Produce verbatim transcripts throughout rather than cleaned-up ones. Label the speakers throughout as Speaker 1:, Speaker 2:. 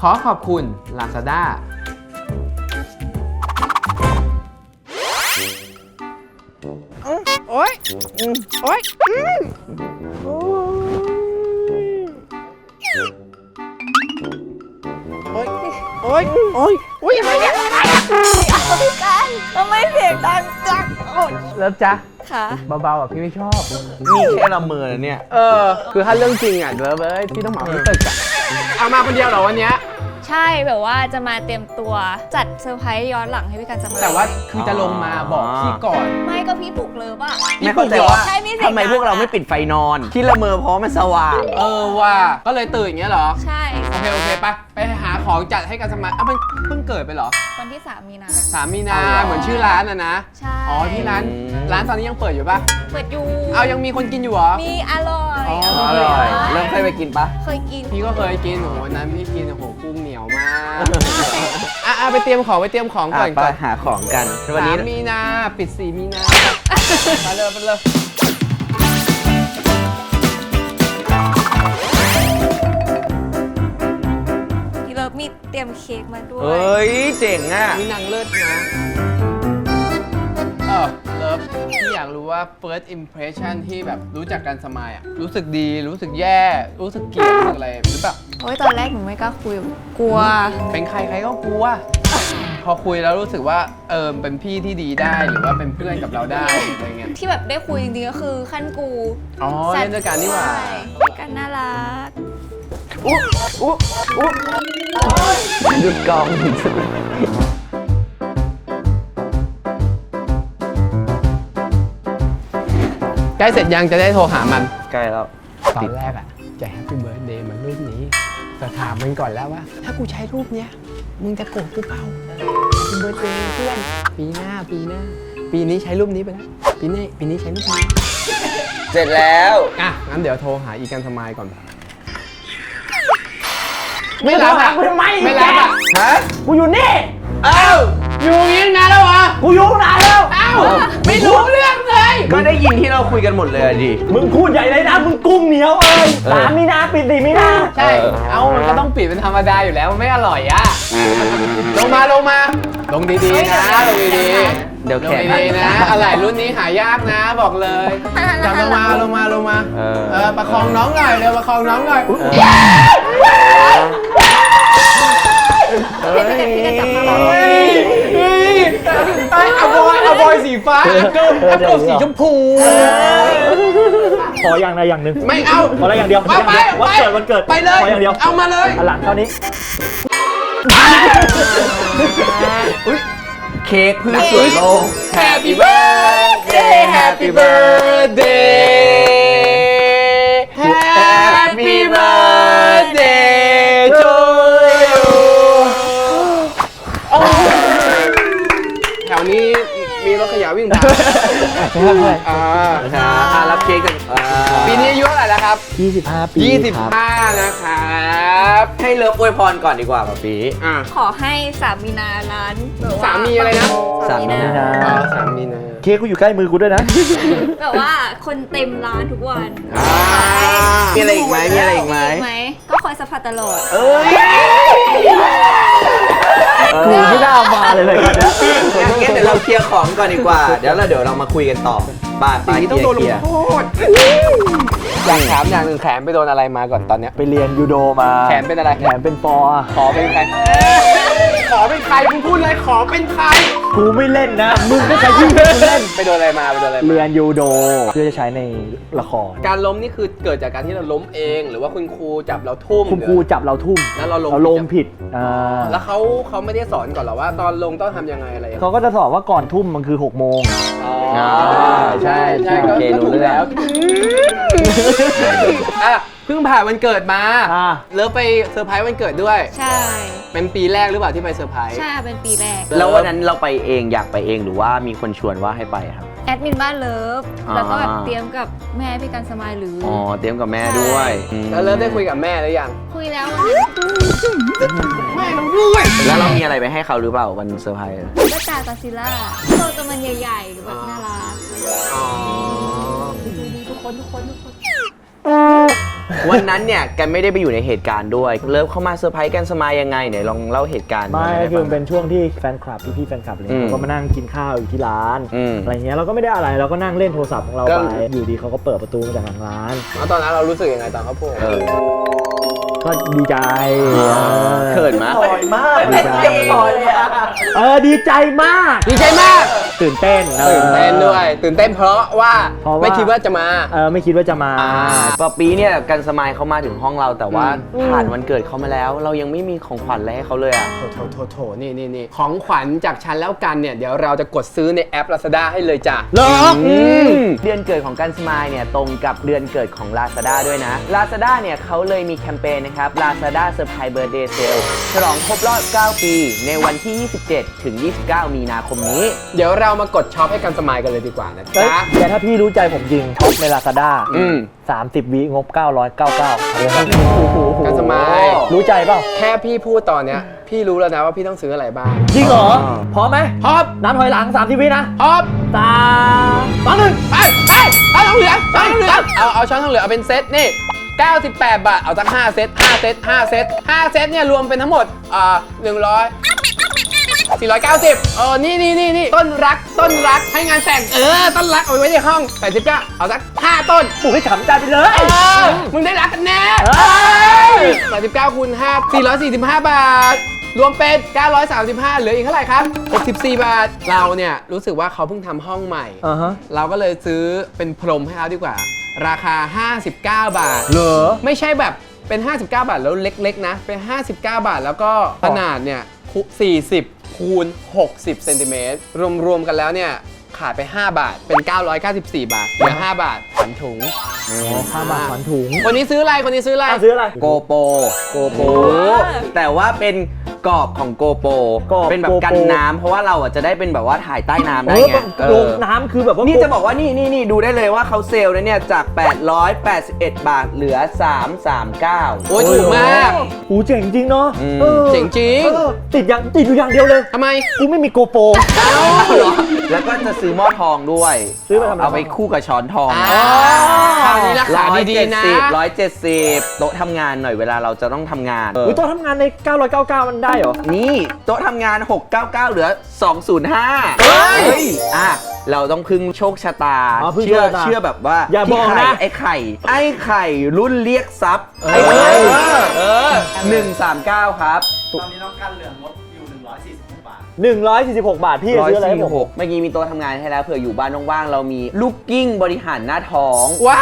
Speaker 1: อขอบคุณ Lazada
Speaker 2: โอ๊ยโอ๊ยโอ๊ยโอ๊ยโอ๊ยโอ๊ยอะไรเนี่ย
Speaker 3: พี่กันทำไมเสียงดังจัง
Speaker 1: เลิฟจ๊ะ
Speaker 3: ค่ะ
Speaker 1: เบาๆอ่ะพี่ไม่ชอบ
Speaker 4: นี่แค่ละเมอเนี่ย
Speaker 1: เออ คือถ้าเรื่องจริงอ่ะเลิฟเอ้ยพี่ต้องเหมาที่ตึกอ่ะเอามาคนเดียวเหรอวันเนี้ย
Speaker 3: ใช่แบบว่าจะมาเตรียมตัวจัดเซอร์ไพรส์ย้อนหลังให้พี่กันสมัย
Speaker 1: แต่ว่าคือจะลงมาบอกพี่ก่อน
Speaker 3: ไม่ก็พี่ปลุกเลยป่ะ
Speaker 4: ไม่เข้าใจว่า
Speaker 3: ใช่มีเสียง
Speaker 4: ทำไมพวกเราไม่ปิดไฟนอน ที่ละเมอเพราะมันสว่าง
Speaker 1: เออว่าก็เลยตื่นอย่างเงี้ยเหรอ
Speaker 3: ใช่
Speaker 1: โอเคโอเคไปไปหาของจัดให้กันสมัยอ่ะมันเพิ่งเกิดไปเหรอ
Speaker 3: วันที่สามมีนา
Speaker 1: สามมีนาเหมือนชื่อร้านอะนะ
Speaker 3: ใช่
Speaker 1: อ๋อที่ร้านร้านตอนนี้ยังเปิดอยู่ปะ
Speaker 3: เปิดอยู่
Speaker 1: เอายังมีคนกินอยู่เหรอ
Speaker 3: มีอร่อย
Speaker 1: อ๋อ
Speaker 4: อร่อยเริ่มเคยไปกินปะ
Speaker 3: เคยกิน
Speaker 1: พี่ก็เคยกินโอ้โหวันนั้นพี่กินโอ้โหกุ้งเหนียวมากอ่ะอ่ะไปเตรียมของไปเตรียมของก่อน
Speaker 4: ไป
Speaker 1: ก่อน
Speaker 4: หาของกันวัน
Speaker 1: สา
Speaker 4: นี้
Speaker 1: มมีนาปิดสี่มีนาไปเลยไปเลย
Speaker 3: พี่เลิฟมีเตรียมเค้กมาด้วย
Speaker 4: เฮ้ยเจ๋งอ่ะ
Speaker 1: มีนางเลิศนะเออเลิฟพี่อยากรู้ว่า first impression ที่แบบรู้จักกันสมัยอ่ะรู้สึกดีรู้สึกแย่รู้สึกเกลียดรู้สึกอะไรหรือเปล่า
Speaker 3: โอ้ยตอนแรกหนูไม่กล้าคุยกลัว
Speaker 1: เป็นใครใครก็กลัว พอคุยแล้วรู้สึกว่าเออเป็นพี่ที่ดีได้หรือว่าเป็นเพื่อนกับเราได้อะไรเงี้ย
Speaker 3: ที่แบบได้คุยจริงๆก็คือขั้นกู
Speaker 1: อ๋อเล่นด้วยกันนี่หว่า
Speaker 3: ใช่พี่กันน่ารัก
Speaker 4: อุ๊อุ๊อุ๊หยุดกอง
Speaker 1: ใกล้เสร็จยังจะได้โทรหามัน
Speaker 4: ใกล้แล้ว
Speaker 1: ตอนแรกอ่ะจะแฮปปี้เบิร์ดเดย์มันรูปนี้แต่ถามมันก่อนแล้วว่า ถ้ากูใช้รูปเนี้ยมึงจะโกรธกูเปล่าแฮปปี้เบิร์ดเดย์เพื่อนปีหน้าปีหน้า ปีนี้ใช้รูปนี้ไปแล้วปีนี้ปีนี้ใช้รูปนี้
Speaker 4: เสร็จแล้ว
Speaker 1: อ่ะงั้นเดี๋ยวโทรหาอีกันสมายก่อน ไม่รับอ่ะไม่รับอ่ะ
Speaker 4: ฮะ
Speaker 2: กูอยู่นี่
Speaker 1: อ้าวอยู่อย่างนี้นานแล้วเหรอ
Speaker 2: กูอยู่นานแล้ว
Speaker 1: อ้าวไม่รู้เรื่องเลย
Speaker 4: ก็ได้ยินที่เราคุยกันหมดเลยอะดิ
Speaker 2: มึงพูดใหญ่เลยนะ มึงกุ้งเหนียวเอ้ย
Speaker 4: เออ
Speaker 2: สามมีนาปิดสี่มีนา
Speaker 1: ใช่ เอามันก็ต้องปิดเป็นธรรมดาอยู่แล้วมันไม่อร่อยอ่ะ ลงมาลงมา ลงดีๆนะลงดีๆ
Speaker 4: เดี๋ยว
Speaker 1: ล
Speaker 4: แข
Speaker 1: ง
Speaker 4: ก
Speaker 1: ดีๆนะ อะไรรุ่นนี้หายากนะบอกเลยจับลงมาลงมาลงมา
Speaker 4: เออ
Speaker 1: เออประคองน้องหน่อยเร็วประคองน้องหน่อย
Speaker 3: พี่กันพี่กันจับมา
Speaker 1: เฮ้ยเฮ้ยไอ้อะบอยอะบอยสีฟ้าแอปเปิ้ลแอปเปิ้ลสีชมพู
Speaker 2: ขออย่างใดอย่างหนึ่ง
Speaker 1: ไม่เอา
Speaker 2: ขออะไรอย่างเดียว
Speaker 1: ไปไป
Speaker 2: วันเกิดวันเกิด
Speaker 1: ไปเลย
Speaker 2: ขออย่างเดียว
Speaker 1: เอามาเลย
Speaker 2: อันหลังเท่านี้
Speaker 1: อุ๊ย
Speaker 4: เค้กพืชสวนโลก
Speaker 1: Happy birthday Happy birthday Happy birthday to you แถวนี้มีรถขยะวิ่งผ่านอ่า
Speaker 4: อ่ารับเค้กกันอ่า
Speaker 1: ปีนี้อายุเท่าไหร่แล้วครับ
Speaker 2: ยี่สิบห้าปี
Speaker 1: ยี่สิบ
Speaker 2: ครับ
Speaker 1: ห้านะครับ
Speaker 4: ให้เลิฟอวยพรก่อนดีกว่าป่ะปี
Speaker 1: อ่า
Speaker 3: ขอให้สามีนาร้านแบบว่
Speaker 1: สามีอะไรนะ
Speaker 3: สามีนา
Speaker 2: สามีนา
Speaker 1: อ๋อสามีนะ
Speaker 2: เค้กกูอยู่ใกล้มือกูด้วยนะ
Speaker 3: แบบว่าคนเต็มร้านทุกวัน
Speaker 1: อ่า
Speaker 4: มีอะไรอีกไหมมีอะไรอีกไหม
Speaker 3: ไหมก็คอยซัพพอร์ตตลอด
Speaker 4: เอ้ย
Speaker 2: กูไม่น่ามาเลยเลยกันนะ
Speaker 4: งั้นเดี๋ยวเราเคลียร์ของก่อนดีกว่า เดี๋ยวเราเดี๋ยวเรามาคุยกันต่อป้า
Speaker 1: สิ่
Speaker 4: ป้าง
Speaker 1: นี้
Speaker 4: เค
Speaker 1: ต้อง
Speaker 4: ลีย
Speaker 1: โด
Speaker 4: ร์
Speaker 1: น
Speaker 4: เค
Speaker 1: ล
Speaker 4: ลี
Speaker 1: ง
Speaker 4: ยร์
Speaker 1: โทษอยากถามอย่างหนึ่งแขนไปโดนอะไรมาก่อนตอนเนี้ย
Speaker 2: ไปเรียนยูโดมา
Speaker 1: แขนเป็นอะไร
Speaker 2: แขนเป็นปอ
Speaker 1: ขอเป็นใคร ขอเป็นใครมึงพูดเลยขอเป็นใคร
Speaker 2: กูไม่เล่นนะ มึงก็ใช้ชื่อกูเล่น
Speaker 1: ไปโดนอะไรมาไปโดนอะไรมา
Speaker 2: เรียนยูโดเพื่อจะใช้ในละคร
Speaker 1: การล้มนี่คือเกิดจากการที่เราล้มเอง หรือว่าคุณครูจับเราทุ่ม
Speaker 2: คุณครูจับเราทุ่ม
Speaker 1: แล้วเราล้ม
Speaker 2: เราลมผิดอ่า
Speaker 1: แล้วเขาเขาไม่ได้สอนก่อนเหรอว่า ตอนลงต้องทำยังไงอะไรอย่างเงี้ย
Speaker 2: เขาก็จะสอนว่าก่อนทุ่มมันคือหกโมง
Speaker 1: อ๋อใช่ใช่ก็
Speaker 4: โอเค
Speaker 1: ก็
Speaker 4: รู้
Speaker 1: ถูก
Speaker 4: เรื่อง
Speaker 1: แล้วอ่ะเพิ่งผ่านวันเกิดมา
Speaker 2: อ่า
Speaker 1: เลิฟไปเซอร์ไพรส์วันเกิดด้วย
Speaker 3: ใช่
Speaker 1: เป็นปีแรกหรือเปล่าที่ไปเซอร์ไพรส์
Speaker 3: ใช่เป็นปีแรก
Speaker 4: แล้ววันนั้นเราไปเองอยากไปเองหรือว่ามีคนชวนว่าให้ไปครับ
Speaker 3: แอดมินบ้านเลิฟ
Speaker 4: อ่า
Speaker 3: แล้วก็แบบเตรียมกับแม่พี่กันสมายหรืออ
Speaker 4: อ๋อเตรียมกับแม่ด้วยอืม
Speaker 1: แล้วเลิฟได้คุยกับแม่หรือยัง
Speaker 3: คุยแล้ววันนั้น
Speaker 1: แม่เราด้วย
Speaker 4: แล้วเรามีอะไรไปให้เขาหรือเปล่าวันเซอร์ไพรส์
Speaker 3: ก็ตาตาซิล่าตัวตัวมันใหญ่ๆแบบน่ารัก
Speaker 1: อ๋อ
Speaker 3: ดูดีทุกคนทุกคนทุกคน
Speaker 4: วันนั้นเนี่ยกันไม่ได้ไปอยู่ในเหตุการณ์ด้วยเลิฟเข้ามาเซอร์ไพรส์กันสมายยังไงไหนลองเล่าเหตุการณ์
Speaker 2: ไม่
Speaker 4: ให้
Speaker 2: คือ
Speaker 4: ฟัง
Speaker 2: เป็นช่วงที่แฟนคลับพี่ๆแฟนคลับอะไร
Speaker 4: อืม
Speaker 2: เขาก็มานั่งกินข้าวอยู่ที่ร้าน
Speaker 4: อืม
Speaker 2: อะไรเงี้ยเราก็ไม่ได้อะไรเราก็นั่งเล่นโทรศัพท์ของเรา
Speaker 4: ก็
Speaker 2: ไปอยู่ดีเขาก็เปิดประตูมาจากหลังร้าน
Speaker 1: แล้วตอนนั้นเรารู้สึกยังไงตอนเขาพูด
Speaker 4: เออ
Speaker 2: ก็ดีใจ
Speaker 4: เขินมาก
Speaker 2: มากดีใจเออดีใจมาก
Speaker 1: ดีใจมาก
Speaker 2: ตื่นเต้นออ
Speaker 1: ตื่นเต้นด้วย ตื่นเต้นเพราะว่า
Speaker 2: เพราะว่า
Speaker 1: ไม่คิดว่าจะมา
Speaker 2: เออไม่คิดว่าจะมา
Speaker 4: ปอปีเนี่ยกันสมายเขามาถึงห้องเราแต่ว่า
Speaker 2: อืม
Speaker 4: ผ่านวันเกิดเขามาแล้ว เรายังไม่มีของขวัญอะไรให้เขาเลยอ่ะ
Speaker 1: โถโถโถโถนี่นี่นี่ของขวัญจากฉันแล้วกันเนี่ย เดี๋ยวเราจะกดซื้อในแอป Lazada ให้เลยจ้ะ
Speaker 2: เหรอ
Speaker 4: อืมเดือนเกิดของกันสมายเนี่ยตรงกับเดือนเกิดของ Lazada ด้วยนะ Lazada เนี่ยเขาเลยมีแคมเปญนะครับ Lazada Surprise Birthday Sale ฉลองครบรอบเก้าปีในวันที่ ยี่สิบเจ็ด ถึง ยี่สิบเก้า มีนาคมนี้
Speaker 1: เดี๋ยวเรามากดช็อปให้กันสมายกันเลยดีกว่านะ
Speaker 2: เอ้ย
Speaker 1: จ๊ะ
Speaker 2: แต่ถ้าพี่รู้ใจผมจริงช็อปใน Lazada
Speaker 4: อืม
Speaker 2: สามสิบวิงบเก้าร้อยเก้าสิบเก้า
Speaker 1: กันสมาย
Speaker 2: รู้ใจเปล่า
Speaker 1: แค่พี่พูดตอนเนี้ย พี่รู้แล้วนะว่าพี่ต้องซื้ออะไรบ้าง
Speaker 2: จริงเหรอพร้อมไหม
Speaker 1: พร้อม
Speaker 2: นับถอยหลังสามสิบวินะ
Speaker 1: พร้อม
Speaker 2: สามสองหนึ่ง
Speaker 1: ไปไปช้อนทองเหลืองช้อนทองเหลืองเอาเอาช้อนทองเหลืองเอาเป็นเซตนี่เก้าสิบแปดบาทเอาตั้งห้าเซตห้าเซตห้าเซตห้าเซตเนี่ยรวมเป็นทั้งหมดอ่าหนึ่งร้อยสี่ร้อยเก้าสิบเออนี่นี่นี่นี่ต้นรักต้นรักให้งานแต่งเออต้นรักเอาไว้ในห้องแปดสิบเก้าเอาสักห้าต้น
Speaker 2: ปลูกให้ฉ่ำใจไปเลย
Speaker 1: เออมึงได้รักกันแน่
Speaker 2: เอ้ย
Speaker 1: แปดสิบเก้าคูณห้า สี่ร้อยสี่สิบห้าบาท รวมเป็นเก้าร้อยสามสิบห้าเหลืออีกเท่าไหร่ครับหกสิบสี่บาทเราเนี่ยรู้สึกว่าเขาเพิ่งทำห้องใหม่
Speaker 2: อ่าฮะ
Speaker 1: เราก็เลยซื้อเป็นพรมให้เขาดีกว่า ราคา ห้าสิบเก้า บาท
Speaker 2: เหรอ
Speaker 1: ไม่ใช่แบบเป็น ห้าสิบเก้า บาทแล้วเล็กๆนะ เป็น ห้าสิบเก้า บาทแล้วก็ขนาดเนี่ยคุสี่สิบคูณหกสิบเซนติเมตรรวมๆกันแล้วเนี่ยขาดไป ห้า บาทเป็น เก้าร้อยเก้าสิบสี่ บาทเหลือ ห้า บาทผันถุง
Speaker 2: ห้าบาทขวัญถุง
Speaker 1: คนนี้ซื้ออะไรคนนี้ซื้ออะไร
Speaker 2: อ่ะซื้ออะไร
Speaker 4: โกโปโกโป
Speaker 3: โอ้
Speaker 4: แต่ว่าเป็นกรอบของโกโป
Speaker 2: กรอบ
Speaker 4: เป็นแบบกันน้ำเพราะว่าเราอ่ะจะได้เป็นแบบว่าถ่ายใต้น้ำ
Speaker 2: เอ
Speaker 4: ได้
Speaker 2: อ
Speaker 4: ไงเอ
Speaker 2: ล
Speaker 4: อง
Speaker 2: น้ำคือแบบว่า
Speaker 4: นี่จะบอกว่านี่นี่นี่ดูได้เลยว่าเขาเซลล์นะเนี่ยจาก แปดร้อยแปดสิบเอ็ด บาทเหลือ สามร้อยสามสิบเก้า
Speaker 1: โอ้ยถูกมาก
Speaker 2: หูเจ๋งจริงเนาะ
Speaker 4: อืม
Speaker 2: ออ
Speaker 1: เจ๋งจริง
Speaker 2: เออติดอย่างติดอยู่อย่างเดียวเลย
Speaker 1: ทำไม
Speaker 2: กูไม่มีโกโปร
Speaker 4: แล้วก็จะซื้อหม้อทองด้วย
Speaker 2: ซื้อไปทำอะไร
Speaker 4: เอาไปคู่กับช้อนทอง
Speaker 1: อ่าคราวนี้ราคาดีๆนะ
Speaker 4: ร้อยเจ็ดสิบโต๊ะทำงานหน่อยเวลาเราจะต้องทำงาน
Speaker 2: อุ้ยตัวทำงานใน เก้าร้อยเก้าสิบเก้า มันได้เหรอ
Speaker 4: นี่โต๊ะทำงาน หกร้อยเก้าสิบเก้า เหลือ สองร้อยห้า
Speaker 1: เฮ้ย
Speaker 4: อ่ะเราต้องพึ่งโชคชะตา
Speaker 2: อ๋อพึ่ง
Speaker 4: เชื่อ
Speaker 2: โชคชะตา
Speaker 4: เชื่อแบบว่า
Speaker 2: อย่าบอกนะ
Speaker 4: พี่ไข่ไอ้ไข่ ไอ้ไข่รุ่นเรียกทรัพย์
Speaker 1: เออ
Speaker 4: ไอ้ไข่
Speaker 1: เออ
Speaker 4: หนึ่งสามเก้าครับ
Speaker 5: ตอนนี้น้องกันเหลืองงดอยู่ หนึ่งร้อยสี่สิบหก บาท
Speaker 2: หนึ่งร้อยสี่สิบหก บาท พี่จะซื้ออะไรให้ผม
Speaker 4: หกเมื่อกี้มีโต๊ะทำงานให้แล้วเผื่ออยู่บ้านว่างๆเรามีลูกกิ้งบริหารหน้าท้อง
Speaker 1: ว้าย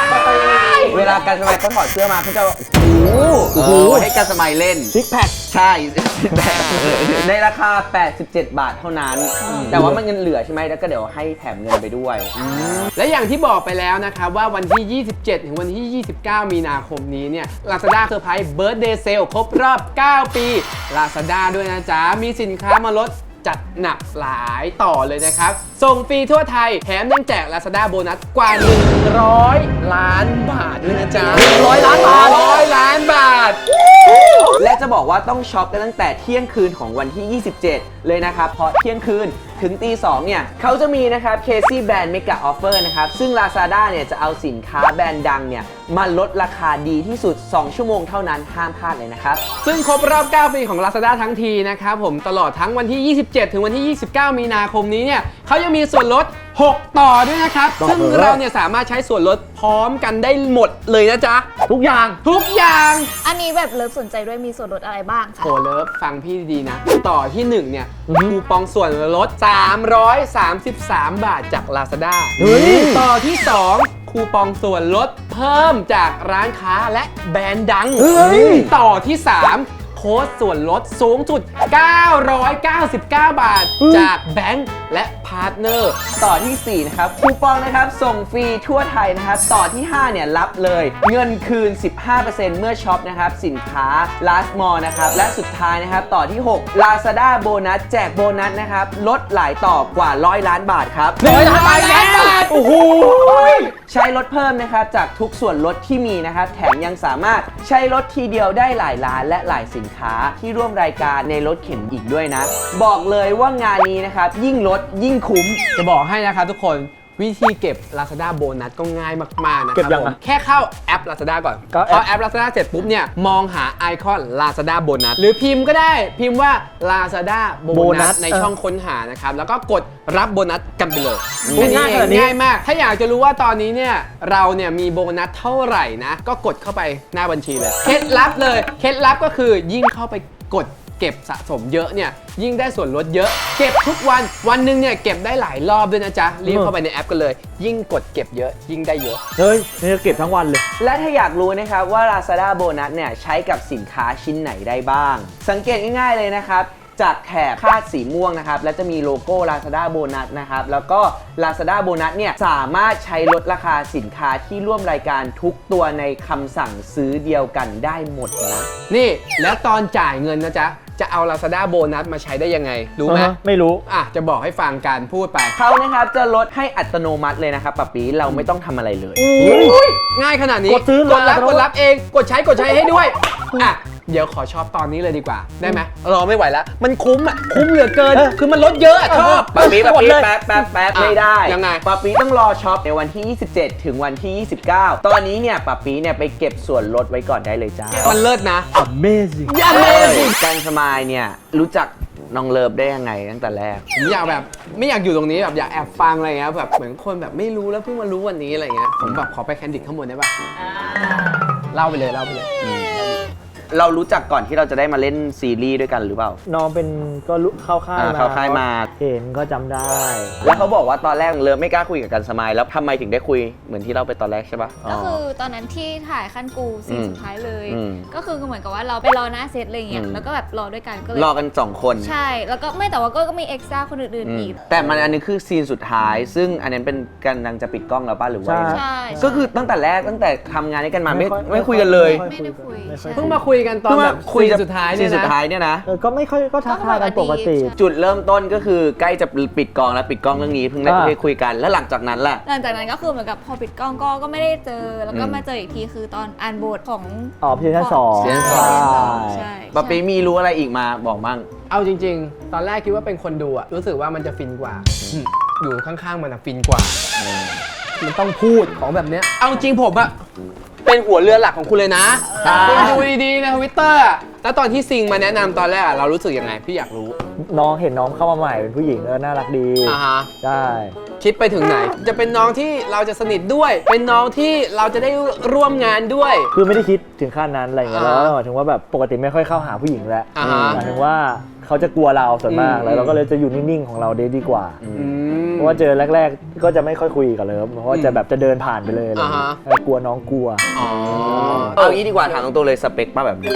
Speaker 4: เวลาการสมัยเขาถอดเสื้อมาเขาจะโอ้โห
Speaker 2: โอ้โห
Speaker 4: ให้การสมัยเล่น
Speaker 2: ซิกแพค
Speaker 4: ใช่ ในราคา แปดสิบเจ็ด บาทเท่านั้น แต่ว่ามันเงินเหลือใช่ไหมแล้วก็เดี๋ยวให้แถมเงินไปด้วย
Speaker 1: และอย่างที่บอกไปแล้วนะครับว่าวันที่ ยี่สิบเจ็ด ถึงวันที่ ยี่สิบเก้า มีนาคมนี้เนี่ย Lazada Surprise Birthday Sale ครบรอบ เก้า ปี Lazada ด้วยนะจ๊ะ มีสินค้ามาลดจัดหนักหลายต่อเลยนะครับ ส่งฟรีทั่วไทย แถมยังแจก Lazada โบนัสกว่า หนึ่งร้อย ล้านบาทด้วยนะจ๊ะ
Speaker 2: หนึ่งร้อยล้านบาท
Speaker 1: ร้อยล้านบาท
Speaker 4: และจะบอกว่าต้องช็อปกันตั้งแต่เที่ยงคืนของวันที่ ยี่สิบเจ็ด เลยนะครับ เพราะเที่ยงคืนถึงตีสองเนี่ยเขาจะมีนะครับ Casey Brand Mega Offer นะครับ ซึ่ง Lazada เนี่ยจะเอาสินค้าแบรนด์ดังเนี่ยมาลดราคาดีที่สุด สอง ชั่วโมงเท่านั้นห้ามพลาดเลยนะครับ
Speaker 1: ซึ่งครบรอบ เก้า ปีของ Lazada ทั้งทีนะครับผมตลอดทั้งวันที่ ยี่สิบเจ็ด ถึงวันที่ ยี่สิบเก้า มีนาคมนี้เนี่ยเขายังมีส่วนลด หก ต่อด้วยนะครับ
Speaker 2: ต่อ
Speaker 1: ซึ่ง
Speaker 2: เลย
Speaker 1: เราเนี่ยสามารถใช้ส่วนลดพร้อมกันได้หมดเลยนะจ๊ะ
Speaker 2: ทุกอย่าง
Speaker 1: ทุกอย่าง
Speaker 3: อันนี้แบบเลิฟสนใจด้วยมีส่วนลดอะไรบ้างคะ
Speaker 1: โหเลิฟฟังพี่ดีๆนะ ต่อที่หนึ่งเนี่ย
Speaker 2: อือฮึ
Speaker 1: คูปองส่วนลด สามร้อยสามสิบสาม บาทจาก Lazada
Speaker 2: เฮ้ย
Speaker 1: ต่อที่สองคูปองส่วนลดเพิ่มจากร้านค้าและแบรนด์ดัง
Speaker 2: เฮ้ย
Speaker 1: ต่อที่สามโค้ดส่วนลดสูงสุด เก้าร้อยเก้าสิบเก้า บาท จากแบงก์และพาร์ทเนอร์
Speaker 4: ต่อที่สี่นะครับคูปองนะครับส่งฟรีทั่วไทยนะครับต่อที่ห้าเนี่ยรับเลยเงินคืน สิบห้าเปอร์เซ็นต์ เมื่อช็อปนะครับสินค้า Last Mall นะครับและสุดท้ายนะครับต่อที่หก Lazada โบนัสแจกโบนัสนะครับลดหลายต่อกว่าร้อยล้านบาทครับ
Speaker 1: ร้อยล้านบาท
Speaker 4: โอ้โหใช้ลดเพิ่มนะครับจากทุกส่วนลดที่มีนะครับแถมยังสามารถใช้ลดทีเดียวได้หลายร้านและหลายสินค้าที่ร่วมรายการในรถเข็นอีกด้วยนะบอกเลยว่างานนี้นะครับยิ่งลดยิ่งคุ้ม
Speaker 1: จะบอกให้นะครับทุกคนวิธีเก็บ Lazada โบนัสก็ง่ายมากๆนะค
Speaker 2: เก็
Speaker 1: รั
Speaker 2: บบ ยัง
Speaker 1: ผม
Speaker 2: อะ
Speaker 1: แค่เข้าแอป Lazada ก่อน
Speaker 2: เข้าแอป
Speaker 1: พอแอป Lazada เสร็จปุ๊บเนี่ยมองหาไอคอน Lazada โบนัสหรือพิมพ์ก็ได้พิมพ์ว่า Lazada โบ
Speaker 2: โบนั
Speaker 1: นัส
Speaker 2: ส
Speaker 1: ในช่องค้นหานะครับแล้วก็กดรับโบนัสกันไปเลย
Speaker 2: โอ้ยง่ายขนาดนี้
Speaker 1: ง่ายมาก ถ้าอยากจะรู้ว่าตอนนี้เนี่ยเราเนี่ยมีโบนัสเท่าไหร่นะก็กดเข้าไปหน้าบัญชีเลยเคล็ดลับเลยเคล็ดลับก็คือยิ่งเข้าไปกดเก็บสะสมเยอะเนี่ยยิ่งได้ส่วนลดเยอะเก็บทุกวันวันหนึ่งเนี่ยเก็บได้หลายรอบด้วยนะจ๊ะรีบเข้าไปในแอปกันเลย ยิ่งกดเก็บเยอะยิ่งได้เยอะ
Speaker 2: เฮ้ยนี่จะเก็บทั้งวันเลย
Speaker 4: และถ้าอยากรู้นะครับว่า Lazada โบนัสเนี่ยใช้กับสินค้าชิ้นไหนได้บ้าง สังเกตง่ายๆเลยนะครับจากแถบคาดสีม่วงนะครับและจะมีโลโก้ Lazada โบนัสนะครับแล้วก็ Lazada โบนัสเนี่ยสามารถใช้ลดราคาสินค้าที่ร่วมรายการทุกตัวในคำสั่งซื้อเดียวกันได้หมดนะ
Speaker 1: นี่แล้วตอนจ่ายเงินนะจ๊ะจะเอา Lazada โบนัสมาใช้ได้ยังไงรู้ไหม
Speaker 2: อ่าฮะไม่รู้
Speaker 1: อ่ะจะบอกให้ฟังการพูดไป
Speaker 4: เขานะครับจะลดให้อัตโนมัติเลยนะครับป๊าปีเราไม่ต้องทำอะไรเลย
Speaker 1: อุ๊ยง่ายขนาดนี้
Speaker 2: กดซื้อก
Speaker 1: ดรับ
Speaker 2: เลย
Speaker 1: กดรับเอง กดใช้กดใช้ให้ด้วย อ่ะ เดี๋ยวขอช็อปตอนนี้เลยดีกว่า ได้ไหมรอไม่ไหวแล้ว มันคุ้มอ่ะ คุ้มเหลือเกิน คือมันลดเยอะอะชอบ
Speaker 4: ป๊าปีป๊าปี
Speaker 2: กดเลย
Speaker 4: แป๊บแป๊บแป๊บ
Speaker 1: อ่ะ
Speaker 4: ไม่ได้
Speaker 1: ยังไง
Speaker 4: ป๊าปีต้องรอช็อปในวันที่ ยี่สิบเจ็ด ถึงวันที่ ยี่สิบเก้า ตอนนี้เนี่ยป๊าปีเนี่ยไปเก็บส่วนลดไว้ก่อนได้เลยจ้า
Speaker 1: มันเลิศนะ
Speaker 2: Amazing
Speaker 1: อย่าเลย
Speaker 4: การสมายเนี่ยรู้จักน้องเลิฟได้ยังไงตั้งแต่แรก
Speaker 1: ผมอยากแบบไม่อยากอยู่ตรงนี้แบบอยากแอบฟังอะไรเงี้ยแบบเหมือนคนแบบไม่รู้แล้วเพิ่งมารู้วันนี้อะไรเงี้ยผมแบบขอไปแคนดิดข้างบนได้ป่ะเล่าไปเลยเล่าไปเลย
Speaker 4: เรารู้จักก่อนที่เราจะได้มาเล่นซีรีส์ด้วยกันหรือเปล่า
Speaker 2: น้องเป็นก็รู้เข้าค่าย
Speaker 4: อ่า
Speaker 2: มา
Speaker 4: เข้าค่ายมา
Speaker 2: เห็นก็จำได้
Speaker 4: แล้วเขาบอกว่าตอนแรกเลิฟไม่กล้าคุยกับกันสมายแล้วทำไมถึงได้คุยเหมือนที่เราไปตอนแรกใช่ปะ
Speaker 3: ก็คือตอนนั้นที่ถ่ายขั้นกูซีน
Speaker 4: อืม
Speaker 3: สุดท้ายเลย
Speaker 4: อืม
Speaker 3: ก็คือเหมือนกับว่าเราไปรอหน้าเซตอะไรเงี้ย
Speaker 4: อืม
Speaker 3: แล้วก็แบบรอด้วยกันก็เลย
Speaker 4: รอกันสองคน
Speaker 3: ใช่ แล้วก็ไม่แต่ว่าก็ก็มีเอ็กซ์ตร้าคนอื่น
Speaker 4: อืม
Speaker 3: ๆอีก
Speaker 4: แต่มันอันนี้คือซีนสุดท้าย ซึ่งอันนั้นเป็นการกำลังจะปิดกล้องแล้วป่ะหรือว่า
Speaker 2: ใช่
Speaker 4: ยังไง
Speaker 3: ใช่
Speaker 4: ก็คือตั้งแต่แรกตั้งแต่ทำงานด้วยกันมาไม่
Speaker 2: ไม่ค่อย
Speaker 4: ไม่คุยกันเลย
Speaker 2: ไม่
Speaker 3: ไม่ได้คุย
Speaker 2: ไม่ค่อย
Speaker 3: ใช่
Speaker 1: เพิ่งมาคุยกันตอน
Speaker 4: เพิ่ง
Speaker 1: แบ
Speaker 4: มา
Speaker 1: บ
Speaker 4: คุย
Speaker 1: ซีน
Speaker 4: กับ
Speaker 1: สุดท้าย
Speaker 4: ซี
Speaker 1: เนี่ย
Speaker 4: นสุด
Speaker 1: นะ
Speaker 4: ท้ายเนี่ยนะ
Speaker 2: เออก็ไม่ค่อยก็ทักทายกันปกติ
Speaker 4: จุดเริ่มต้นก็คือใกล้จะปิดกล้องแล้วปิดกล้องเรื่องนี้เพิ่งได้
Speaker 2: อ่า
Speaker 4: ได้คุยกันแล้วหลังจากนั้นล่ะ
Speaker 3: หลังจากนั้นก็คือเหมือนกับพอปิดกล้องก็ก็ไม่ได้เจอ แล้วก็
Speaker 4: อืม
Speaker 3: มาเจออีกทีคือตอนอ่านบทของ
Speaker 2: อ๋อพี่ชั้นสอง
Speaker 3: ใช่
Speaker 4: ซีซั่นสอง
Speaker 3: ใช่
Speaker 4: ปะปีมีรู้อะไรอีกมาบอกมั่ง
Speaker 1: เอาจริง ๆ ตอนแรกคิดว่าเป็นคนดูอะรู้สึกว่ามันจะฟินกว่าอืมอยู่ข้างๆมันอะฟินกว่า มันต้องพูดของแบบเนี้ย เอาจริงผมอะเป็นหัวเรือหลักของคุณเลยนะคุณดูดีๆในทวิตเตอร์แล้วตอนที่ซิงมาแนะนำตอนแรกอะเรารู้สึกยังไงพี่อยากรู้
Speaker 2: น้องเห็นน้องเข้ามาใหม่เป็นผู้หญิงแล้วน่ารักดี
Speaker 1: อ่าฮะ
Speaker 2: ใช่
Speaker 1: คิดไปถึงไหน จะเป็นน้องที่เราจะสนิทด้วย เป็นน้องที่เราจะได้ร่วมงานด้วย
Speaker 2: คือไม่ได้คิดถึงขั้นนั้นอะไรอย่างเงี้ย
Speaker 1: อ่า
Speaker 2: แล้วหมายถึงว่าแบบปกติไม่ค่อยเข้าหาผู้หญิงแล้ว
Speaker 1: อ่าฮะ
Speaker 2: หมายถึงว่าเขาจะกลัวเราส่วนมาก
Speaker 1: อืม
Speaker 2: แล้วเราก็เลยจะอยู่นิ่งๆของเราได้ดีกว่า
Speaker 1: อืม
Speaker 2: เพราะว่าเจอแรกๆ ก็จะไม่ค่อยคุยกับเลิฟเพราะว่าจะแบบจะเดินผ่านไปเลยอะไรอย่างเงี้ย
Speaker 1: อ่าฮะ
Speaker 2: แล้วกลัวน้องกลัว
Speaker 1: อ๋อ
Speaker 4: เอางี้ดีกว่าถามตรงๆเลยสเปคป้าแบบนี้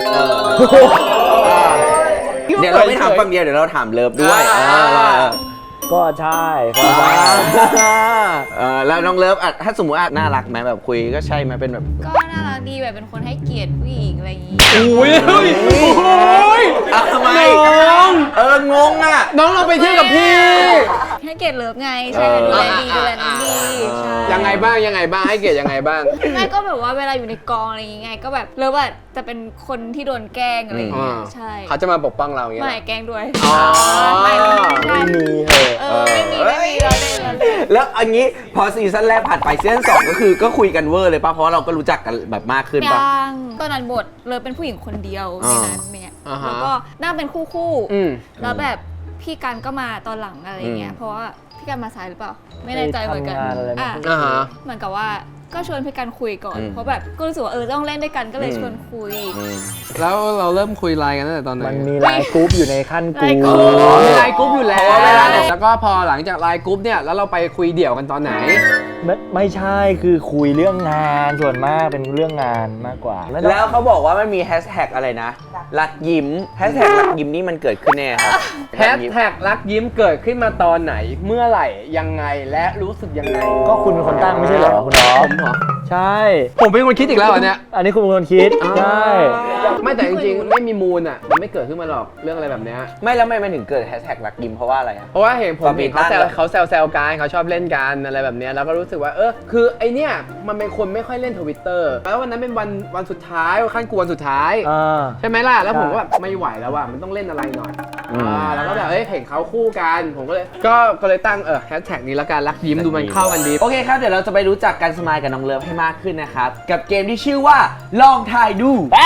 Speaker 4: เดี๋ยวเราไม่ถามฝั่งเดียวเดี๋ยวเราถามเลิฟด้วย
Speaker 1: อ่า
Speaker 4: เออเออ
Speaker 2: ก็ใช่ครับ
Speaker 4: เออแล้วน้องเลิฟอ่ะถ้าสมมติอ่ะน่ารักไหมแบบคุยก็ใช่ไหมเป็นแบบ
Speaker 3: ก็น่ารักดีแบบเป็นคนให้เกียรติผู้หญิงอะไรอย่างงี้
Speaker 1: โอ้ยเฮ้ยโอ้ย
Speaker 4: อ่ะทำไม
Speaker 1: น้อง
Speaker 4: เอองงอ่ะ
Speaker 1: น้องเราไปเที่ยวกับพี่
Speaker 3: ให้เกียรติเลิฟไงใช่ดูแลดีดูแลน้องดีใช่
Speaker 1: ยังไงบ้างยังไงบ้างให้เกียรติยังไงบ้าง
Speaker 3: ไม่ก็แบบว่าเวลาอยู่ในกองอะไรอย่างเงี้ยก็แบบเลิฟอะจะเป็นคนที่โดนแกล้งอะไรอย่างเงี้ย
Speaker 1: อืม
Speaker 3: ใช่
Speaker 1: เขาจะมาปกป้องเราอย่างเงี้ย
Speaker 3: ไม่
Speaker 1: เหรอ
Speaker 3: แกล้งด้วย
Speaker 1: อ๋อ
Speaker 3: ไม่ไม่ใช่
Speaker 2: ไม่มีเหอะ
Speaker 3: เออไม่มีไม่มีเราเล่นเราเล่น
Speaker 4: แล้วอันนี้พอซีซั่นแรกผ่านไปซีซั่นสองก็คือก็คุยกันเวอร์เลยป่ะเพราะว่าเราก็รู้จักกันแบบมากขึ้นป่ะ
Speaker 3: ยังตอนนั้นบทเลิฟเป็นผู้หญิงคนเดียวในนั้นเนี่ย
Speaker 1: อ่าฮะ
Speaker 3: แล้วก็นั่งเป็นคู่คู่ๆ
Speaker 1: อืม
Speaker 3: แล้วแบบพี่กันก็มาตอนหลังอะไรอย่างเงี้
Speaker 4: อื
Speaker 3: ย
Speaker 4: ม
Speaker 3: เพราะว่าพี่กันมาสายหรือเปล่า ไม่แน่ใจเหมือนกัน
Speaker 2: ไปทำงานอะไรไม่
Speaker 3: อ่ะ
Speaker 2: รู้
Speaker 1: อ่าฮะ
Speaker 3: เหมือนกับว่าก็ชวนพี่กันคุยก่อน
Speaker 4: อืม
Speaker 3: เพราะแบบก็รู้สึกว่าเออต้องเล่นด้วยกันก็เลย
Speaker 4: อืม
Speaker 3: ชวนคุย
Speaker 4: อืม
Speaker 1: แล้วเราเริ่มคุยไลน์กันตั้งแต่ตอนไหน
Speaker 2: มันมีไลน์กรุ๊ปอยู่ในขั้นก
Speaker 3: ไลน์กรุ๊
Speaker 2: รุ๊
Speaker 3: ป
Speaker 2: ป
Speaker 1: อ๋อมีไลน์กรุ๊ปอยู่แล้ว
Speaker 4: เพราะว่าเวลาเนี่ย
Speaker 1: แล้วก็พอหลังจากไลน์กรุ๊ปเนี่ยแล้วเราไปคุยเดี่ยวกันตอนไหน
Speaker 2: ไม่ไม่ใช่คือคุยเรื่องงานส่วนมากเป็นเรื่องงานมากกว่าไม่ต้อง
Speaker 4: แล้วเขาบอกว่ามันมีแฮชแท็กอะไรนะรักยิ้มแฮชแท็กรักยิ้มนี่มันเกิดขึ้นแน่ครับ
Speaker 1: แฮชแท็กรักยิ้มเกิดขึ้นมาตอนไหน เมื่อไหร่ยังไงและรู้สึกยังไง
Speaker 2: ก็คุณเป็นคนตั้งไม่ใช่เหรอคุณน้อง
Speaker 1: ผมเหรอ
Speaker 2: ใช่
Speaker 1: ผมเป็นคนคิดอีกแล้วเหรอเนี่ย
Speaker 2: อันนี้คุณเป็นคนคิดใช่
Speaker 1: ไม่แต่จริงๆไม่มีมูลอ่ะมันไม่เกิดขึ้นมาหรอกเรื่องอะไรแบบเนี้ย
Speaker 4: ไม่แล้วไม่ไม่ถึงเกิดแฮชแท็กรักยิ้มเพราะว่าอะไรอะ
Speaker 1: เพราะว่าเห็นผมเห็นเขาแซว
Speaker 4: ความผิดพลาด
Speaker 1: เขาแซวแซวกันเขาชอบเล่นกันอะไรแบบเนี้ยแล้วก็รู้สึกว่าเออคือไอเนี้ยมันเป็นคนไม่ค่อยเล่นทวิตเตอร์แล้ววันนั้นเป็นวันวันสุดท้ายวันขั้นกวนสุดท้าย
Speaker 2: อ่า
Speaker 1: ใช่ไหมล่ะแล้วผม
Speaker 2: ใช่
Speaker 1: ก็แบบไม่ไหวแล้วว่ะมันต้องเล่นอะไรหน่อย
Speaker 4: อืม
Speaker 1: อ่าแล้วก็แบบเฮ้ยเห็นเขาคู่กันผมก็เลยก็ก็เลยตั้งเออแฮชแท็กนี้แล้วกันรักยิ้มดูมันเข้ากันดี
Speaker 4: โอเคครับ เดี๋ยวเราจะไปรู้จักกันสมายกับน้องเลิฟให้มากขึ้นนะครับ กับเกมที่ชื่อว่าลองทายดู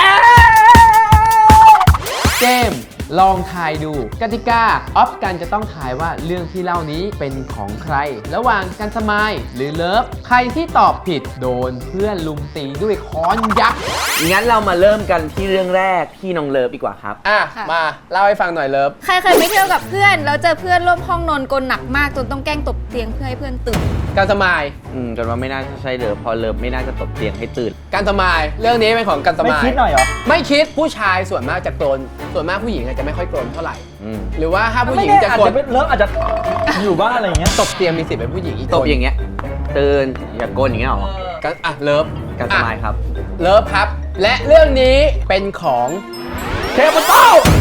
Speaker 1: เกมลองทายดูกติกาออฟกันจะต้องทายว่าเรื่องที่เล่านี้เป็นของใคร ระหว่างกันสมายหรือเลิฟใครที่ตอบผิดโดนเพื่อนลุมตีด้วยค้อนยักษ์
Speaker 4: งั้นเรามาเริ่มกันที่เรื่องแรกที่น้องเลิฟดีกว่าครับ
Speaker 1: อ่ะ
Speaker 3: ค่ะ
Speaker 1: มาเล่าให้ฟังหน่อยเลิฟ
Speaker 3: ใครเคยไปเที่ยวกับเพื่อนแล้วเจอเพื่อนร่วมห้องนอนกลหนักมากจนต้องแกล้งตบเตียงเพื่อให้เพื่อนตื่น
Speaker 1: การสมาย
Speaker 4: อืมจนว่าไม่น่าจะใช่เลิฟเพอเลิฟไม่น่าจะตบเตียงให้ตื่น
Speaker 1: การสมายเรื่องนี้เป็นของการส
Speaker 2: ไม่
Speaker 1: มาย
Speaker 2: คิดหน่อยเหรอ
Speaker 1: ไม่คิดผู้ชายส่วนมากจะกรนส่วนมากผู้หญิงอาจจะไม่ค่อยกรนเท่าไหร่
Speaker 4: อืม
Speaker 1: หรือว่าถ้าผู้ห
Speaker 2: ไม่
Speaker 1: ญิง
Speaker 2: แน่
Speaker 1: จะ
Speaker 2: อาจ
Speaker 1: กรน
Speaker 2: จะเป็นเลิฟอาจจะอยู่บ้านอะไรอย่างเงี้ย
Speaker 1: ตบเตียงมีสิทธิ์เป็นผู้หญิงอีก
Speaker 4: ตบ
Speaker 1: คน
Speaker 4: อย่างเงี้ยตื่นอย่าโกนอย่างเงี้ยหรอ
Speaker 1: กันอ่ะเลิฟ
Speaker 4: การสมายครับ
Speaker 1: เลิฟครับ และเรื่องนี้เป็นของเทปโต้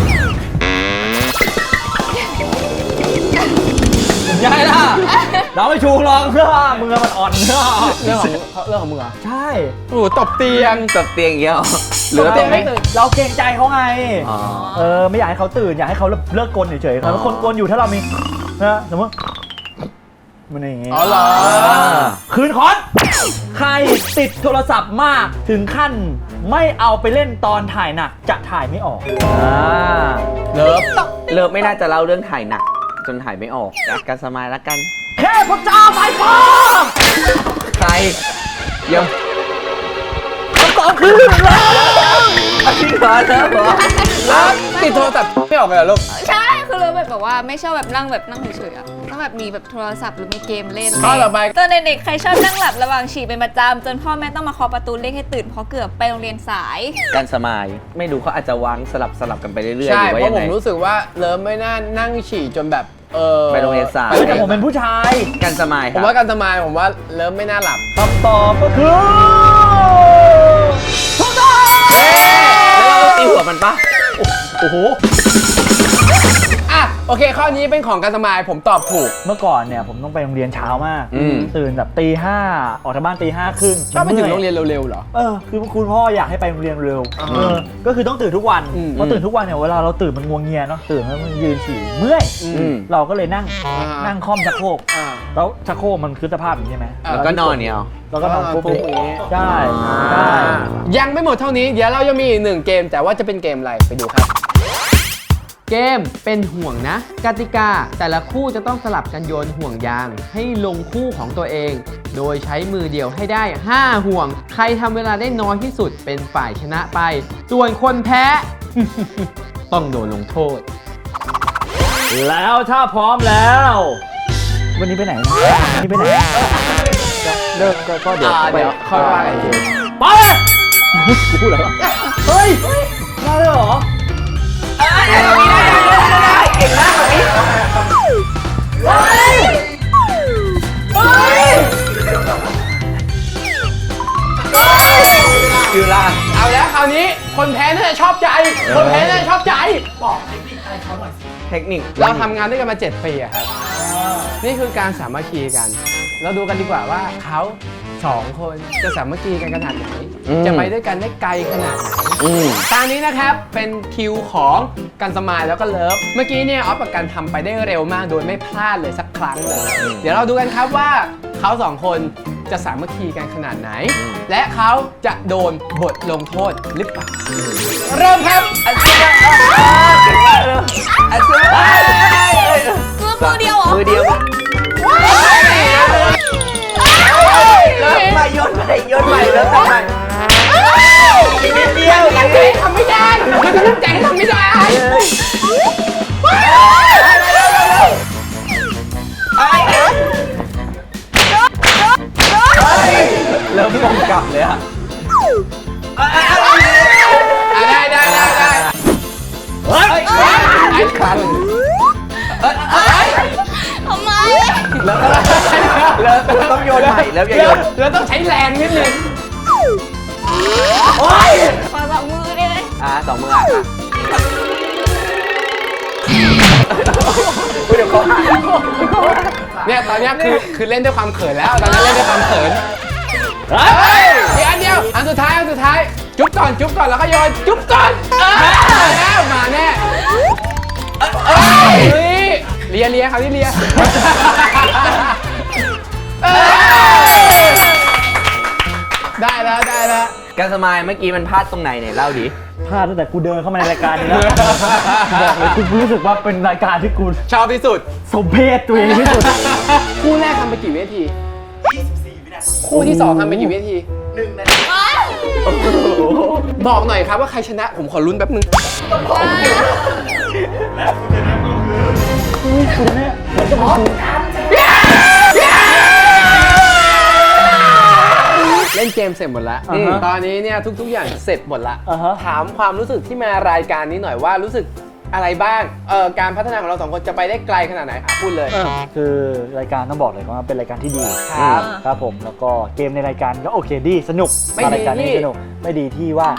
Speaker 2: ยายล่ะ เราไม่ชูรองเพื่อมือมันอ่อนเพื่อ
Speaker 1: เรื่องของเรื่องของมึงเหรอ
Speaker 2: ใช่
Speaker 1: โอ้โหตบเตียง
Speaker 4: ตบเตียงอย่างเงี้ยหรอห
Speaker 2: ห
Speaker 4: รื
Speaker 2: รือ อ
Speaker 4: ว่า
Speaker 2: เตียงไม่ตื่นเราเกรงใจเขาไง
Speaker 4: อ๋อ
Speaker 2: เออไม่อยากให้เขาตื่นอยากให้เขาเลิกกลนเฉยๆแล้วคนกลนอยู่ถ้าเรามีนะสมมติมันอย่างงี้
Speaker 1: อ๋อเหรอ
Speaker 2: คืนคอนใครติดโทรศัพท์มากถึงขั้นไม่เอาไปเล่นตอนถ่ายหนักจะถ่ายไม่ออกอ่า
Speaker 1: เลิฟ
Speaker 4: เลิฟไม่น่าจะเล่าเรื่องถ่ายหนัก จนถ่ายไม่ออกจากการสมายละกัน
Speaker 2: เทพเจ้าไฟฟ้า
Speaker 4: ใครเดี๋ยว
Speaker 2: คำตอบคือเลิฟ
Speaker 4: พี่เหรอเลิฟเหรอ
Speaker 1: เลิฟติดโทรศัพท์ไม่ออกเลยเหรอลูก
Speaker 3: ใช่คือเราแบบแบบว่าไม่ชอบแบบนั่งแบบนั่งเฉยๆอะต้องแบบมีแบบโทรศัพท์หรือมีเกมเล่น
Speaker 1: ข้อต่อไป
Speaker 3: ตอนเด็กๆใครชอบนั่งหลับระหว่างฉี่เป็นประจำจนพ่อแม่ต้องมาเคาะประตูเรียกให้ตื่นเพราะเกือบไปโรงเรียนสาย
Speaker 4: การสมายไม่รู้เขาอาจจะวางสลับสลับกันไปเรื่อยๆห
Speaker 1: ใช่
Speaker 4: รือว่า
Speaker 1: เพ
Speaker 4: ยั
Speaker 1: ราะ
Speaker 4: ง
Speaker 1: ผ
Speaker 4: ไง
Speaker 1: มรู้สึกว่าเลิฟไม่น่านั่งฉี่จนแบบเออ
Speaker 4: ไปโรงเรียนสาย
Speaker 1: ไป
Speaker 2: แต่ผมเป็นผู้ชาย
Speaker 4: การสมายค
Speaker 1: ผ
Speaker 4: รั
Speaker 1: ม
Speaker 4: บ
Speaker 1: ว่าการสมายผมว่าเลิฟไม่น่าหลับ
Speaker 2: คำตอบก็คือถูกต้อง
Speaker 4: แล้วเราตีหัวมันปะ
Speaker 2: โอ้โห
Speaker 1: อ่ะโอเคข้อนี้เป็นของการสมายผมตอบถูก
Speaker 2: เมื่อก่อนเนี่ยผมต้องไปโรงเรียนเช้ามาก
Speaker 4: อืม
Speaker 2: ตื่นแบบตีห้าออกจากบ้านตีห้าครึ่ง
Speaker 1: ชอบไปถึงโรงเรียนเร็วๆเหรอ
Speaker 2: เออคือคุณพ่ออยากให้ไปโรงเรียนเร็ว
Speaker 1: อ่า
Speaker 2: เออก็คือต้องตื่นทุกวัน
Speaker 1: อืม
Speaker 2: เพราะตื่นทุกวันเนี่ยเวลาเราตื่นมันงวงเงียเนาะตื่นแล้วมันยืนฉี่เมื่อย
Speaker 4: อืม
Speaker 2: เราก็เลยนั่ง
Speaker 1: อ่า
Speaker 2: นั่งค่อมชักโครก
Speaker 1: อ่า
Speaker 2: แล้วชักโครกมันคือสภาพอย่างนี้ใช่ไหม
Speaker 1: อ่า
Speaker 4: แล้วก็นอนเนี่ยเอา
Speaker 2: แล้วก็นอนปุ๊บ
Speaker 1: ปุ๊บอย่างงี้
Speaker 2: ใช่ใช่
Speaker 1: ยังไม่หมดเท่านี้ เดี๋ยวเรายังมีอีกหนึ่งเกม แต่ว่าจะเป็นเกมอะไรไปดูครับ เกมเป็นห่วงนะ กติกาแต่ละคู่จะต้องสลับกันโยนห่วงยาง ให้ลงคู่ของตัวเอง โดยใช้มือเดียวให้ได้ ห้า ห่วง ใครทำเวลาได้น้อยที่สุดเป็นฝ่ายชนะไป ส่วนคนแพ้ ต้องโดนลงโทษ
Speaker 2: แล้วถ้าพร้อมแล้ว วันนี้ไปไหนนะวันนี้ไปไหนเลิกก็ก็เดี๋ยว
Speaker 1: อ่า
Speaker 2: ไป
Speaker 1: เดี๋ยวค่อยว่ากันอีกที
Speaker 2: ไปกูพูดแล้วเฮ้ยมาเลยเหรอ
Speaker 4: อยู่ล่าง
Speaker 1: เอาแล้วคราวนี้คนแพ้น่าจะชอบใจ คนแพ้น่าจะชอบใจ
Speaker 4: เทคนิค
Speaker 1: เราทำงานด้วยกันมาเจ็ดปีอะครับ นี่คือการสามัคคีกัน เราดูกันดีกว่าว่าเขาสองคนจะสามัคคีกันขนาดไหน
Speaker 4: อืม
Speaker 1: จะไปด้วยกันได้ไกลขนาดไหน
Speaker 4: อืม
Speaker 1: ตอนนี้นะครับเป็นคิวของกันสมายแล้วก็เลิฟ เมื่อกี้เนี่ยออฟกับกันทำไปได้เร็วมากโดยไม่พลาดเลยสักครั้งเลย เดี๋ยวเราดูกันครับว่าเขาสองคนจะสามัคคีกันขนาดไหน และเขาจะโดนบทลงโทษหรือเปล่า เริ่มครับ
Speaker 4: อันเสียอันเสีย
Speaker 3: คือมือเดียวเหรอ
Speaker 4: มือเดียวเลิกไปโยนไปโยนไปเลิกทำไมนิดเดียว
Speaker 1: ตั้งใจทำไม่ได้มันตั้งใจทำไม่ได้
Speaker 4: เริ่มมองกลับเลยอะ
Speaker 1: อ่ะได้ได้ได้ได้
Speaker 2: เฮ้ย
Speaker 1: ไอ้คัน
Speaker 3: ทำไม
Speaker 4: แล้วแล้วต้องโยนใหม่แล้วอย่าโยน
Speaker 1: แล้วต้องใช้แรงนิดนึง
Speaker 2: โอ้ย
Speaker 3: ขอสองมือได้ไหม
Speaker 4: อ่าสองมืออ่ะเดี๋ยวเขาหา
Speaker 1: เนี่ยตอนเนี้ยคือคือเล่นด้วยความเขินแล้วตอนนั้นเล่นด้วยความเขิน
Speaker 2: เฮ้ย
Speaker 1: เดี๋ยวอันเดียวอันสุดท้ายอันสุดท้ายจุ๊บก่อนจุ๊บก่อนแล้วก็โยนจุ๊บก่อนเออมาแล้วมาแน่เออเฮ้ยเลียเลียครับที่เลียได้แล้วได้แล้ว
Speaker 4: การสมายเมื่อกี้มันพลาดตรงไหนเนี่ยเล่าดิ
Speaker 2: พลาดตั้งแต่กูเดินเข้ามาในรายการนี้แล้วบอกเลยกูรู้สึกว่าเป็นรายการที่กู
Speaker 1: ชอบที่สุด
Speaker 2: สมเพศตัวเองที่สุด
Speaker 1: คู่แรกทำไปกี่วินาที
Speaker 5: ยี่สิบสี่วินาที
Speaker 1: คู่ที่สองทำไปกี่วินาที
Speaker 5: หนึ่งนาที
Speaker 1: บอกหน่อยครับว่าใครชนะผมขอลุ้นแป๊บนึง
Speaker 5: และคุณจะนั่งก็คือ
Speaker 2: คุณเนี่ยผมจะมาดู
Speaker 1: เล่นเกมเสร็จหมดแล้ว
Speaker 2: อ่าฮะ
Speaker 1: ตอนนี้เนี่ยทุกๆอย่างเสร็จหมดละ
Speaker 2: อ่าฮะ
Speaker 1: ถามความรู้สึกที่มารายการนี้หน่อยว่ารู้สึกอะไรบ้างเอ่อการพัฒนาของเราสองคนจะไปได้ไกลขนาดไหนอ่ะพูดเลย
Speaker 2: คือรายการต้องบอกเลยว่าเป็นรายการที่ดี
Speaker 1: ครับ
Speaker 2: ครับผมแล้วก็เกมในรายการก็โอเคดีสนุก
Speaker 1: ไม่ดี
Speaker 2: รายการนี้
Speaker 1: ที่
Speaker 2: สนุกไม่ดีที่ว่า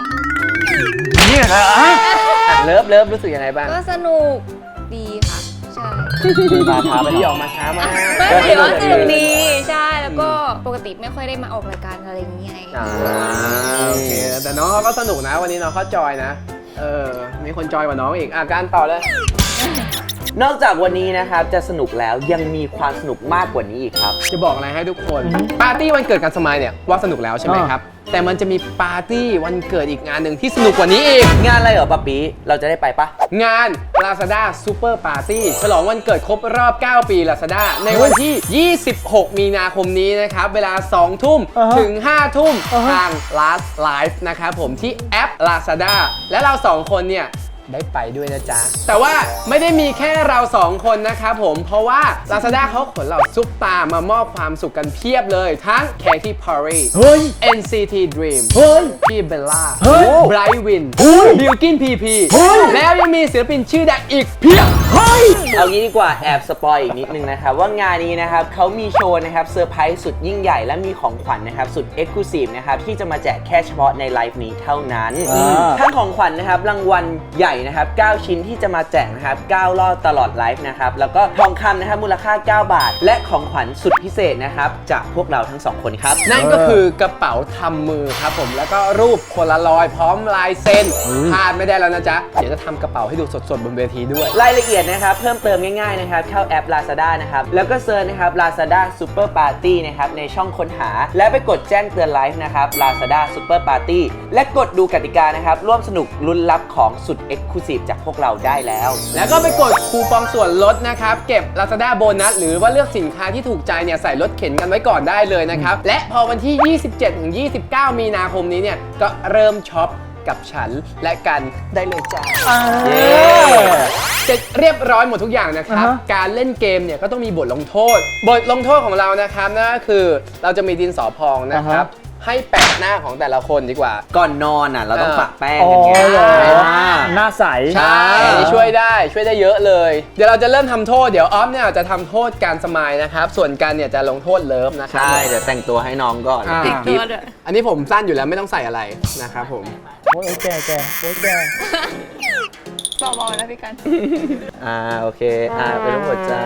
Speaker 1: อ่ะเลิฟเลิฟรู้สึกยังไงบ้าง
Speaker 3: ก็สนุกดีค่ะ ใช่
Speaker 2: มาช้าไป
Speaker 1: ที่
Speaker 2: ห
Speaker 1: อ
Speaker 2: น่
Speaker 1: อ
Speaker 2: อย
Speaker 1: กมาช้ามาก
Speaker 3: ไม่ถือว่าสนุกดีใช่แล้วก็ปกติไม่ค่อยได้มาออกรายการอะไรอย่างเงี้ย
Speaker 1: อ่าโอเคแต่น้องเขาก็สนุกนะวันนี้น้องเขาจอยนะเออมีคนจอยกว่าน้องอีกอ่ะการต่อเลย
Speaker 4: นอกจากวันนี้นะครับจะสนุกแล้วยังมีความสนุกมากกว่านี้อีกครับ
Speaker 1: จะบอกอะไรให้ทุกคนปาร์ตี้วันเกิดการสมายเนี่ยว่าสนุกแล้วใช่ไหมครับแต่มันจะมีปาร์ตี้วันเกิดอีกงานหนึ่งที่สนุกกว่านี้อีก
Speaker 4: งานอะไรเหรอป๊าปีเราจะได้ไปปะ
Speaker 1: งาน Lazada Super Party ฉลองวันเกิดครบรอบ เก้า ปี Lazada ในวันที่ ยี่สิบหก มีนาคมนี้นะครับ เวลา สอง ทุ่ม
Speaker 2: อ่าฮะ
Speaker 1: ถึง ห้า ทุ่ม
Speaker 2: อ่าฮะ
Speaker 1: ทาง Last Live นะครับผมที่แอป Lazada และเราสองคนเนี่ย ได้ไปด้วยนะจ๊ะ แต่ว่าไม่ได้มีแค่เราสองคนนะครับผมเพราะว่า Lazada เขาขนเหล่าซุปตาร์มามอบความสุขกันเพียบเลยทั้ง Katy Perry
Speaker 2: เฮ้ย
Speaker 1: เอ็น ซี ที Dream
Speaker 2: เฮ้ย
Speaker 1: พี่เบลล่า
Speaker 2: เฮ้ย
Speaker 1: ไบรท์วิน
Speaker 2: เฮ้ย
Speaker 1: บิลกินพีพี
Speaker 2: เฮ้ย
Speaker 1: แล้วยังมีศิลปินชื่อดังอีกเพียบ
Speaker 2: เฮ้ย
Speaker 4: เอางี้ดีกว่าแอบสปอยอีกนิดนึงนะครับว่างานนี้นะครับเขามีโชว์นะครับเซอร์ไพรส์สุดยิ่งใหญ่และมีของขวัญนะครับสุดเอ็กซ์คลูซีฟนะครับที่จะมาแจกแค่เฉพาะในไลฟ์นี้เท่านั้น
Speaker 2: อ่า
Speaker 4: ทั้งของขวัญนะครับรางวัลใหญ่นะครับเก้าชิ้นที่จะมาแจกนะครับเก้ารอบตลอดไลฟ์นะครับแล้วก็ทองคำนะครับมูลค่าเก้าบาท และของขวัญสุดพิเศษนะครับจากพวกเราทั้งสองคนครับ
Speaker 1: นั่นก็คือกระเป๋าทำมือครับผมแล้วก็รูปโพลารอยด์พร้อมลายเซ็นพลาดไม่ได้แล้วนะจ๊ะ เดี๋ยวจะทำกระเป๋าให้ดูสดๆบนเวทีด้วย
Speaker 4: รายละเอียดนะครับเพิ่มเติมง่ายๆนะครับเข้าแอป Lazada นะครับแล้วก็เซิร์ชนะครับ Lazada Super Party นะครับในช่องค้นหา และไปกดแจ้งเตือนไลฟ์นะครับ Lazada Super Party และกดดูกติกานะครับร่วมสนุกลุ้นรับของสุด Exclusive จากพวกเราได้แล้ว
Speaker 1: แล้วก็ไปกดคูปองส่วนลดนะครับเก็บ Lazada โบนัสหรือว่าเลือกสินค้าที่ถูกใจเนี่ยใส่รถเข็นกันไว้ก่อนได้เลยนะครับและพอวันที่ ยี่สิบเจ็ดถึงยี่สิบเก้า มีนาคมนี้เนี่ยก็เริ่มช็อปกับฉันและกันได้เลยจ้า
Speaker 2: เย้
Speaker 1: เสร็จเรียบร้อยหมดทุกอย่างนะครับ
Speaker 2: อ่าฮะ
Speaker 1: การเล่นเกมเนี่ยก็ต้องมีบทลงโทษ บทลงโทษของเรานะครับนั่นก็คือเราจะมีดินสอพองนะครับให้แปะหน้าของแต่ละคนดีกว่า
Speaker 4: ก่อนนอนอ่ะเราต้อง
Speaker 1: เออ
Speaker 4: ปะแป้ง
Speaker 2: อ๋อ
Speaker 4: กันไง
Speaker 2: เหรอ
Speaker 4: อ่า
Speaker 2: หน้าใส
Speaker 1: ใช่อันนี้ช่วยได้ช่วยได้เยอะเลย เดี๋ยวเราจะเริ่มทำโทษเดี๋ยวออฟเนี่ยจะทำโทษการสมายนะครับส่วนการเนี่ยจะลงโทษเลิฟนะครั
Speaker 4: ใช่เดี๋ยวแต่งตัวให้น้องก่อน
Speaker 1: อ่า
Speaker 4: ติดกิฟต์
Speaker 1: อันนี้ผมสั้นอยู่แล้วไม่ต้องใส่อะไรนะครับผม
Speaker 2: โอ้ยแกแกโอ้ยแก
Speaker 3: เบาๆนะพี่กัน
Speaker 4: อ่าโอเคอ่าไปรูปหัวใจ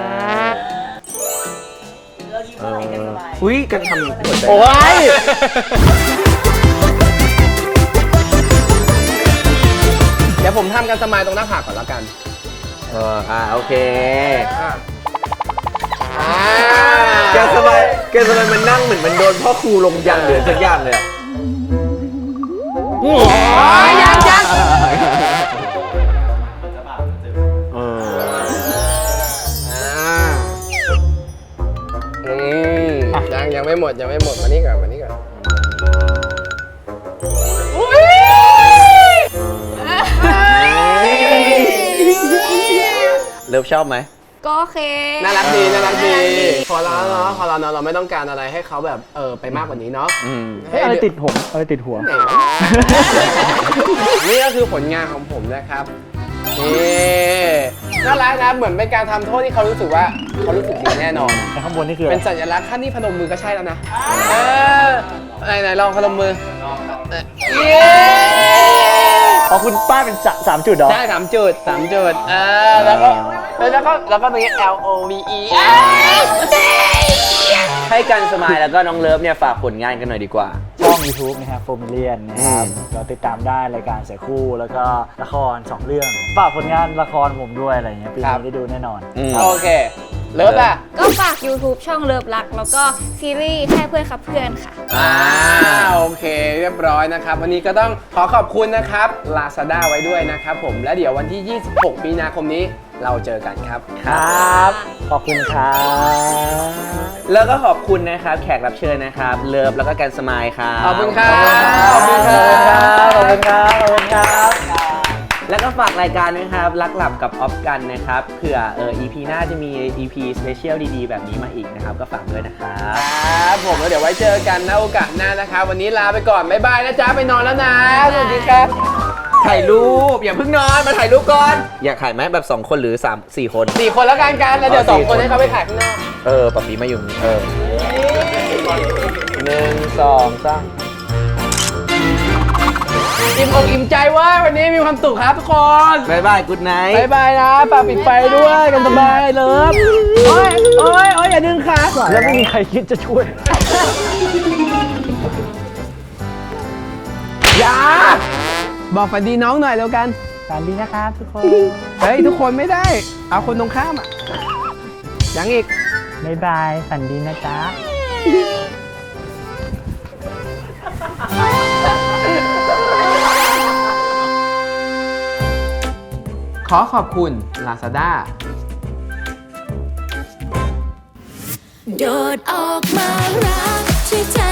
Speaker 4: เอออุ้ยกันทำหัวใจ
Speaker 2: โอ้ย
Speaker 1: เดี๋ยวผมทำการสมายตรงหน้าผากก่อนแล้วกัน
Speaker 4: เอออ่าโอเค
Speaker 1: อ่าอ่า
Speaker 4: แกสบายแกสบายมันนั่งเหมือนมันโดนพ่อครูลงยันหรือสักอย่างเลยอะ
Speaker 1: โอ้ยยังยัง
Speaker 5: จะบาปจะเจ็บ
Speaker 4: เออ
Speaker 1: อ่าอืมยังยังไม่หมดยังไม่หมดมานี่ก่อนมานี่ก่อนอุ้ย
Speaker 4: เลิฟชอบไหม
Speaker 3: ก็โอเค
Speaker 1: น่ารักดีน่ารักดี
Speaker 3: น่ารักดี
Speaker 1: พอแล้วเนาะพอแล้วเนาะเราไม่ต้องการอะไรให้เขาแบบเออไปมากกว่านี้เนาะ
Speaker 4: อืม
Speaker 2: เฮ้ยอะไรติดผมอะไรติดหัว
Speaker 1: ไหนวะ นี่ก็คือผลงานของผมนะครับนี่น่ารักนะเหมือนเป็นการทำโทษที่เขารู้สึกว่าเขารู้สึกดีแน่นอน
Speaker 2: แต่ข้างบนนี่คืออะไร
Speaker 1: เป็นสัญลักษณ์ขั้นที่พนมมือก็ใช่แล้วนะเออไหนไหนลองพนมมือเออเย้
Speaker 2: อ๋อคุณป้าเป็นสะสามจุดเหรอ
Speaker 1: ได้สามจุดสามจุดเออแล้วก็แล้วก็แล้วก็ตรงนี้ L O V E
Speaker 4: ให้กันสมายแล้วก็น้องเลิฟเนี่ยฝากผลงานกันหน่อยดีกว่า
Speaker 2: ช่อง YouTube นะครับโฟมิเลียนนะครับเราติดตามได้รายการเสือคู่แล้วก็ละครสองเรื่องฝากผลงานละครผมด้วยอะไรเงี้ยปี
Speaker 1: ครับ
Speaker 2: นี้ได้ดูแน่นอน
Speaker 1: โอเค เลิฟอ่ะ
Speaker 3: ก็ฝาก YouTube ช่องเลิฟรัก แล้วก็ซีรีส์แค่เพื่อนครับเพื่อนค่ะ
Speaker 1: อ่าโอเค เรียบร้อยนะครับ วันนี้ก็ต้องขอขอบคุณนะครับ Lazada ไว้ด้วยนะครับผมและเดี๋ยววันที่ ยี่สิบหก มีนาคมนี้เราเจอกันครับ
Speaker 2: ครับ ขอบคุณครับ
Speaker 4: แล้วก็ขอบคุณนะครับแขกรับเชิญนะครับเลิฟแล้วก็แกนสมายครับ
Speaker 1: ขอบคุณครับ
Speaker 2: ขอบคุณครับ ขอบคุณครับ ขอบคุณครับ
Speaker 4: แล้วก็ฝากรายการด้วยครับรักหลับกับออฟกันนะครับเผื่อเออ อี พี หน้าจะมี อี พี สเปเชียลดีๆ แบบนี้มาอีกนะครับก็ฝากด้วยนะครับ
Speaker 1: ครับผมแล้วเดี๋ยวไว้เจอกันนะโอกาสหน้านะครับ วันนี้ลาไปก่อน บ๊ายบายนะจ๊ะ ไปนอนแล้วนะ สวัสดีครับ
Speaker 4: ถ่ายรูปอย่าเพิ่งนอนมาถ่ายรูปก่อน อยากถ่ายไหมแบบ สอง คนหรือ สาม สี่ คน
Speaker 1: สี่คนแล้วกันกันแล้วเดี๋ยว
Speaker 4: อ๋อ
Speaker 1: สอง
Speaker 4: สี่
Speaker 1: คน
Speaker 4: คน
Speaker 1: ให้เขาไปถ่ายข้างนอก
Speaker 4: เออปะปีมาอยู่นี่เออหนึ่งสองสาม
Speaker 1: อิ่มอกอิ่มใจว่าวันนี้มีความสุขครับทุกคน
Speaker 4: บายบายกูดไนท์
Speaker 1: บายบายนะฝากปิดไฟด้วยกันสบายเลิฟโอ้ยโอ้ยโอ้ยอย่าดึงขา
Speaker 2: แล้วไม่มีใครคิดจะช่วย
Speaker 1: อย่าบอกฝันดีน้องหน่อยแล้วกัน
Speaker 2: ฝันดีนะครับทุกคน
Speaker 1: เฮ้ย ทุกคนไม่ได้ เอาคนตรงข้ามอ่ะยังอีก
Speaker 2: บ๊ายบาย ฝันดีนะจ๊ะ
Speaker 1: ขอขอบคุณ Lazada
Speaker 6: โดดออกมารักช่วยใจ